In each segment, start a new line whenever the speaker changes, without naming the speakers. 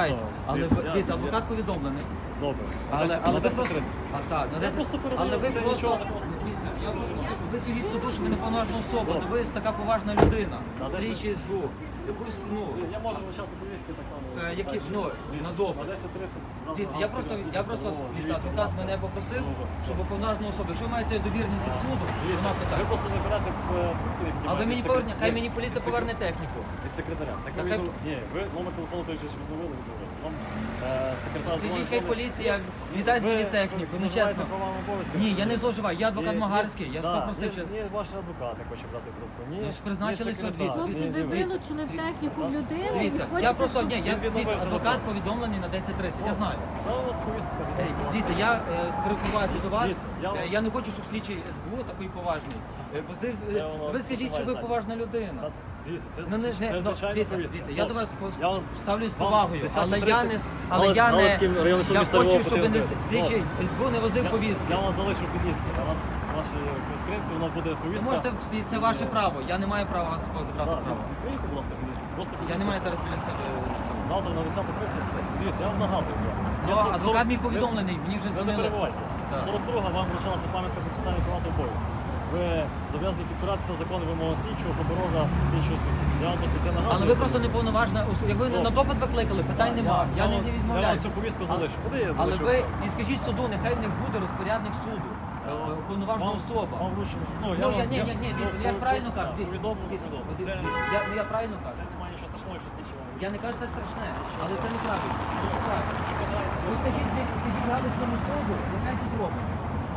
вибачаюсь. Але дивіться, адвокат повідомлений.
Добре.
Але ви просто...
Я просто передаю,
Але ви
це
просто...
нічого такого.
Дивіться, я просто кажу, ви скажіть суду, що ви не повноважна особа,
Добре.
то ви така поважна людина,
На 10.
слідчий СБУ. Якусь, ну,
Я можу вивчати повістки так само.
які, ну, на
На
добре.
10:30.
Дивіться, я просто дивіться, адвокат мене попросив, щоб повноважна особа. Якщо ви маєте довірність від суду, вона
Ви
питає.
просто не берете трубку і
А ви мені повернете, хай мені поліція
від
поверне техніку.
Від секретаря. Так
Так,
ви
хай-
ні, ви номер телефону той же ж відновили. Вам секретар
Скажіть, хай поліція віддасть мені техніку, ну чесно. Ні, я не зловживаю, я адвокат Магарський, я ж попросив ще.
Ні, ваш адвокат не хоче брати трубку. Ні,
Ну, ж призначили
ні секретар.
судді.
Хлопці, ви вилучили в техніку в людини і
Дивіться,
хочете,
я просто,
щоб-
ні, я, дивіться, адвокат повідомлений на 10:30, я знаю.
Та от повістка.
Дивіться, я перекриваюся до вас,
Дивіться,
я не хочу, щоб слідчий СБУ такий поважний. Ви скажіть, що ви поважна людина.
Дивіться, це
Ну, не,
звичайна
дивіться,
повістка.
дивіться, я до вас
Я вас-
ставлюсь з
вам
повагою,
10:30
але я не, але я не,
Галицький районний суд
я
міста
хочу,
Львова
щоб не
потрібно.
слідчий СБУ не возив повістки.
Я вас залишу в під'їзді, а вас вашій скринці воно буде
Ви
повістка.
можете, це ваше право, я не маю права вас такого забрати
Так,
право.
відкрийте, будь ласка, під'їзд. Просто
Я не маю зараз біля себе цього.
Завтра на 10:30 це. Дивіться, я вам нагадую, будь ласка.
Ну,
Я
адвокат мій
ви-
повідомлений, мені вже
Ви не
дзвонили.
перебувайте.
Так.
42-га вам вручалася пам'ятка про підписання приватного обов'язку. Ви зобов'язані підпиратися закону вимоги слідчого, прокурора, слідчого суду. Я вам просто це нагадую.
Але ви просто не повноважна особа. Якби на допит викликали, питань нема. Я не
Я вам
відмовляю.
цю повістку залишу. Куди я
Але
залишу
ви
це?
і скажіть суду, нехай не буде розпорядник суду, повноважна особа.
Вам вручено.
Ну, ні, дивіться, я ж правильно кажу. дивіться,
Повідомлено,
дивіться,
повідомлено.
Я правильно
Це
кажу.
немає нічого страшного, якщо слідчий вам.
Я не кажу, це страшне, але це неправильно. Ви скажіть Галицькому суду, нехай це зробить.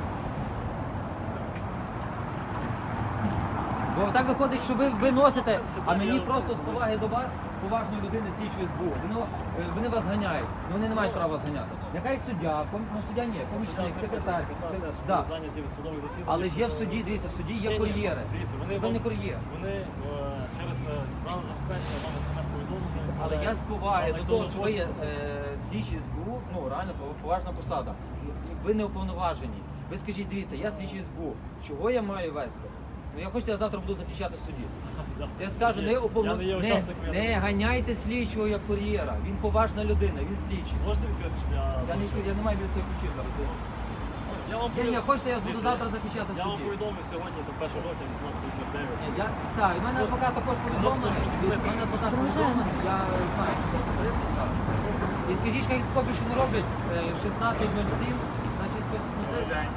Бо так виходить, що ви виносите, а мені просто з поваги до вас, поважної людини слідчої СБУ. Вони вас ганяють, вони не мають права вас ганяти. Нехай суддя, ну суддя ні, помічник, секретар. Да.
Зайняті від судових засідань.
Але ж є в суді, дивіться, в суді є кур'єри.
Дивіться,
Ви не кур'єр.
Вони через рано забезпечення вам смс-повідомлення.
Але я з поваги до того, що ви є слідчий СБУ, ну реально поважна посада. Ви не уповноважені. Ви скажіть, дивіться, я слідчий СБУ. Чого я маю вести? Ну я хочу, я завтра буду захищати в суді. Я скажу, не ганяйте слідчого як кур'єра. Він поважна людина, він слідчий.
Можете відкрити, щоб
Я не маю біля себе ключів зараз.
Я вам
Ні, хочете, я буду завтра захищати в
Я вам
суді.
повідомлю сьогодні, до 1 жовтня, 18:09.
Так, і в мене адвокат також повідомлений. В мене адвокат повідомлений, я знаю, що це закрити. І скажіть, хай такого більше не роблять 16:07, значить, ну це день.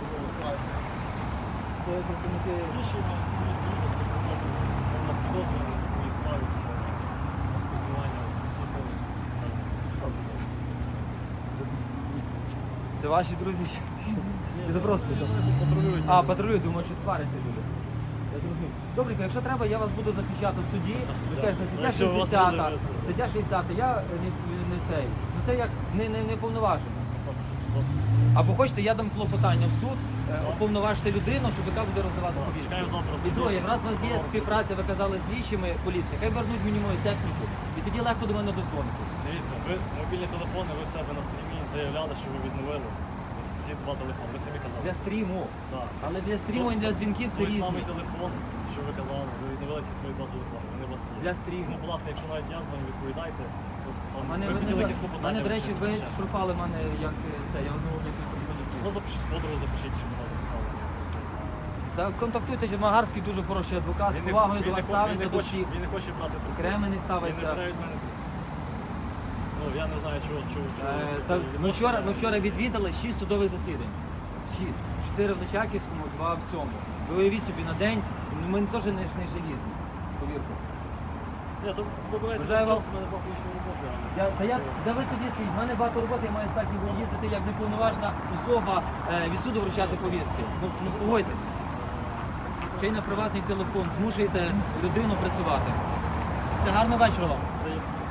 Слідчий в Львівській області все зроблено. Він нас підозрює у моїй справі на спілкування з судом.
Це ваші друзі? Чи це просто?
Патрулюють.
А, патрулюють, думаю, що сваряться люди. Я зрозумів. Добренько, якщо треба, я вас буду захищати в суді. Ви скажете, стаття
Якщо у вас
60,
буде це.
стаття 60, я не цей. Ну це як не повноважено. Або хочете, я дам клопотання в суд, уповноважити людину, щоб яка буде роздавати повістку.
Чекаю завтра в
І
суді.
друге, раз у вас є співпраця, ви казали з слідчими поліції, хай вернуть мені мою техніку, і тоді легко до мене дозвонитись.
Дивіться, ви мобільні телефони, ви в себе на стрімі заявляли, що ви відновили всі два телефони. Ви самі казали.
Для стріму.
Так.
Але для стріму і для дзвінків це
Той
різні.
самий телефон, що ви казали, ви відновили ці свої два телефони. Вони у вас є.
Для стріму.
Ну, будь ласка, якщо навіть я з вами відповідайте, то там
Мене,
ви хотіли якісь
мене,
клопотання.
до речі, ви
вручити, ще щось.
пропали мене як це, я знову декілька
Ну,
дзвінків.
запишіть, подругу запишіть, щоб вона записала.
Та контактуйте, що Магарський дуже хороший адвокат, з повагою до вас ставиться до всіх.
Він не хоче брати трубку.
Кремені
Він не
ставиться.
бере від мене трубку. Ну, я не знаю, чого.
Ми вчора відвідали 6 судових засідань. 6. 4 в Личаківському, 2 в цьому. Ви уявіть собі на день, ми теж не желізні, повірте.
Ні, то забирайте
Бажаю вам-
час, у мене багато іншої роботи.
Да ви собі скажіть, в мене багато роботи, я маю здатність їздити як неповноважна особа від суду вручати повістки. Ну погодьтесь. Ще й на приватний телефон, змушуєте людину працювати. Все, гарного вечора вам.
Це